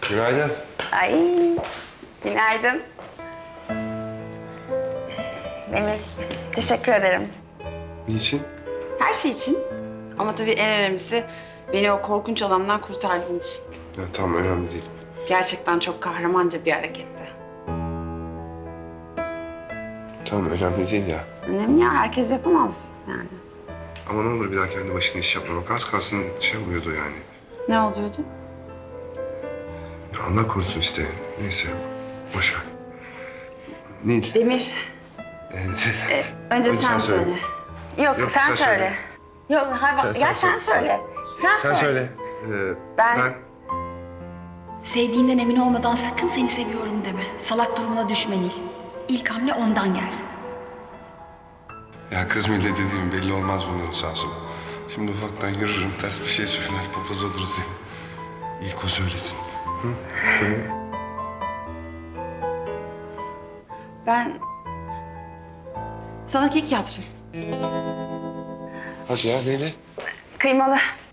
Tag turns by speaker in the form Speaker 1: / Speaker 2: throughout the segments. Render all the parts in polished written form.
Speaker 1: Günaydın.
Speaker 2: Ay, günaydın. Demir, teşekkür ederim.
Speaker 1: Niçin?
Speaker 3: Her şey için. Ama tabii en önemlisi beni o korkunç adamdan kurtardığın için.
Speaker 1: Ya tamam, önemli değil.
Speaker 3: Gerçekten çok kahramanca bir hareketti.
Speaker 1: Tamam, önemli değil ya.
Speaker 3: Önemli ya, herkes yapamaz yani.
Speaker 1: Ama ne olur bir daha kendi başına iş yapmamak. Az kalsın şey oluyordu yani.
Speaker 3: Ne oluyordu?
Speaker 1: Ya Allah korusun işte. Neyse, boş ver. Nil.
Speaker 3: Demir. Önce sen söyle.
Speaker 2: Yok,
Speaker 1: Yok,
Speaker 2: sen
Speaker 1: sen
Speaker 2: söyle.
Speaker 1: söyle.
Speaker 2: Yok, hayır bak,
Speaker 1: Sen
Speaker 2: ya sen
Speaker 1: söyle.
Speaker 2: söyle.
Speaker 1: Sen söyle.
Speaker 2: Ben-
Speaker 4: Sevdiğinden emin olmadan sakın seni seviyorum deme. Salak durumuna düşme Nil. İlk hamle ondan gelsin.
Speaker 1: Ya kız millet dediğim belli olmaz bunların sağ olsun. Şimdi ufaktan yürürüm, ters bir şey söyler, papaz oluruz seni. İlk o söylesin. Hı? Söyle.
Speaker 3: Ben sana kek yaptım.
Speaker 1: Hadi ya, neyle?
Speaker 2: Kıymalı.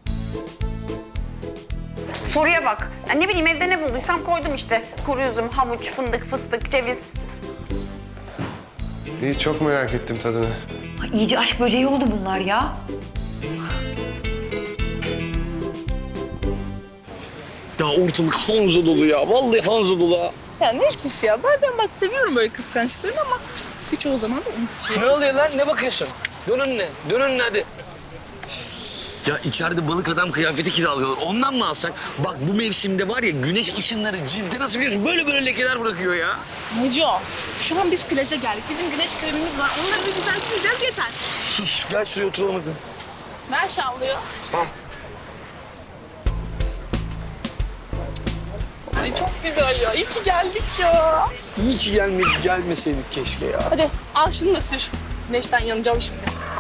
Speaker 2: Soruya bak. Ya ne bileyim evde ne bulduysam koydum işte. Kuru üzüm, havuç, fındık, fıstık, ceviz.
Speaker 1: İyi, çok merak ettim tadını.
Speaker 4: Ay, iyice aşk böceği oldu bunlar ya.
Speaker 5: Ya ortalık Hanzo dolu ya. Vallahi Hanzo dolu ha.
Speaker 6: Ya ne çiş ya. Bazen bak seviyorum böyle kıskançlıklarını ama çoğu zaman da
Speaker 5: Ne oluyor lan? Ne bakıyorsun? Dön önüne. Dön önüne hadi. Ya içeride balık adam kıyafeti kiralıyorlar. Ondan mı alsak? Bak bu mevsimde var ya güneş ışınları cilde nasıl biliyorsun? Böyle böyle lekeler bırakıyor ya.
Speaker 6: Neco, şu an biz plaja geldik. Bizim güneş kremimiz var. Onları bir güzel süreceğiz yeter.
Speaker 5: Sus gel şuraya oturalım hadi.
Speaker 6: Ver şavlıyor.
Speaker 5: Tamam.
Speaker 6: Ay çok güzel ya. İyi ki geldik ya.
Speaker 5: İyi ki gelmeseydik keşke ya.
Speaker 6: Hadi al şunu da sür. Güneşten yanacağım şimdi.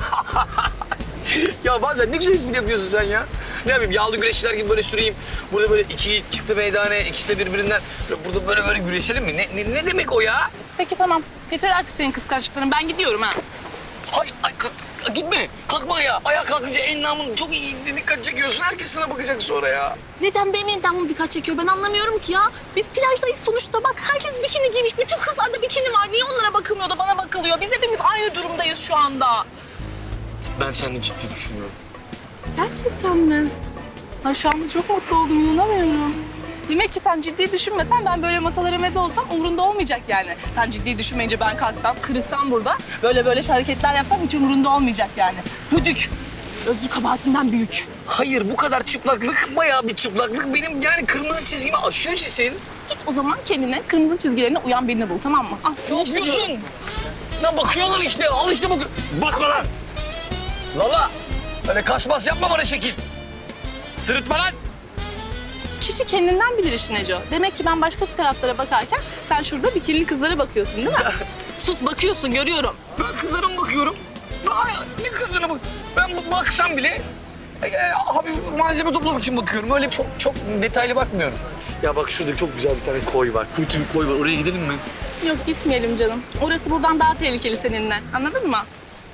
Speaker 5: Ya bazen ne güzel espri yapıyorsun sen ya. Ne yapayım yağlı güreşçiler gibi böyle süreyim. Burada böyle iki çıktı meydana, ikisi de birbirinden. Burada böyle güreşelim mi? Ne demek o ya?
Speaker 6: Peki tamam. Yeter artık senin kıskançlıkların. Ben gidiyorum ha.
Speaker 5: Hay, gitme. Kalkma ya. Ayağa kalkınca endamın çok iyi dikkat çekiyorsun. Herkes sana bakacak sonra ya.
Speaker 6: Neden benim endamım dikkat çekiyor ben anlamıyorum ki ya. Biz plajdayız sonuçta bak herkes bikini giymiş. Bütün kızlarda bikini var. Niye onlara bakılmıyor da bana bakılıyor? Biz hepimiz aynı durumdayız şu anda.
Speaker 5: Ben seninle ciddi düşünüyorum.
Speaker 6: Gerçekten mi? Ay şu anda çok mutlu oldum inanamıyorum. Demek ki sen ciddi düşünmesen ben böyle masalara meze olsam umurunda olmayacak yani. Sen ciddi düşünmeyince ben kalksam, kırılsam burada böyle hareketler yapsam hiç umurunda olmayacak yani. Hödük. Özür kabahatinden büyük.
Speaker 5: Hayır bu kadar çıplaklık bayağı bir çıplaklık. Benim yani kırmızı çizgimi aşıyor Cisil.
Speaker 6: Git o zaman kendine kırmızı çizgilerine uyan birini bul tamam mı?
Speaker 5: Ne yapıyorsun? Ya bakıyorlar işte. Al işte bak. Bakma lan. Lala. Öyle kaşmaz yapma bana şekil. Sırıtma lan.
Speaker 6: Kişi kendinden bilir işi Neco. Demek ki ben başka taraflara bakarken sen şurada bikinili kızlara bakıyorsun değil mi? Sus bakıyorsun görüyorum.
Speaker 5: Ben kızlara mı bakıyorum? Ay, ne kızlara bak? Ben baksam bile hafif malzeme toplamak için bakıyorum. Öyle çok detaylı bakmıyorum. Ya bak şurada çok güzel bir tane koy var. Kuytu bir koy var. Oraya gidelim mi?
Speaker 6: Yok gitmeyelim canım. Orası buradan daha tehlikeli seninle. Anladın mı?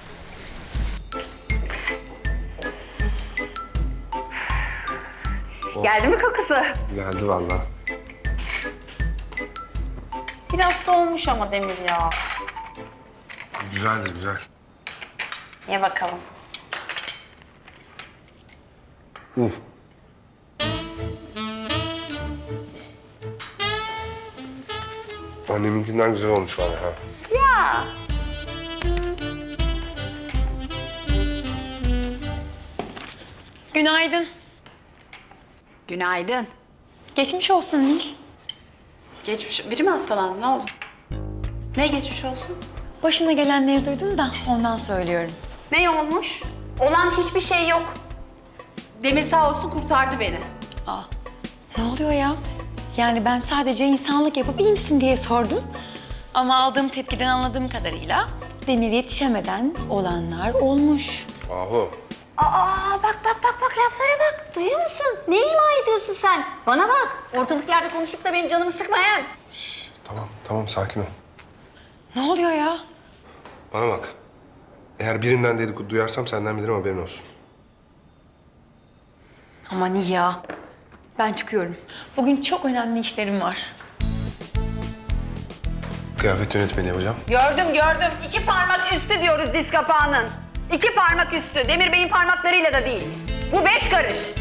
Speaker 2: Geldi mi kokusu?
Speaker 1: Geldi vallahi.
Speaker 2: Biraz soğumuş ama Demir ya.
Speaker 1: Güzeldir, güzel.
Speaker 2: Ye bakalım.
Speaker 1: Uf. Anneminkinden güzel olmuş valla ha.
Speaker 2: Ya.
Speaker 4: Günaydın.
Speaker 3: Günaydın.
Speaker 4: Geçmiş olsun Nil.
Speaker 3: Biri mi hastalandı? Ne oldu? Ne geçmiş olsun?
Speaker 4: Başına gelenleri duydum da ondan söylüyorum.
Speaker 2: Ne olmuş? Olan hiçbir şey yok.
Speaker 3: Demir sağ olsun kurtardı beni.
Speaker 4: Aa, ne oluyor ya? Yani ben sadece insanlık yapıp iyi misin diye sordum. Ama aldığım tepkiden anladığım kadarıyla Demir yetişemeden olanlar olmuş.
Speaker 1: Ahu.
Speaker 2: Aa bak laflara bak. Duyuyor musun? Ne ima ediyorsun sen? Bana bak. Ortalık yerde konuşup da benim canımı sıkmayan.
Speaker 1: Tamam sakin ol.
Speaker 4: Ne oluyor ya?
Speaker 1: Bana bak. Eğer birinden dedikodu duyarsam senden bilirim, haberin olsun.
Speaker 4: Aman iyi ya. Ben çıkıyorum. Bugün çok önemli işlerim var.
Speaker 1: Kıyafet yönetmeni yapacağım.
Speaker 2: Gördüm. 2 parmak üstü diyoruz diz kapağının. 2 parmak üstü. Demir Bey'in parmaklarıyla da değil. Bu 5 karış.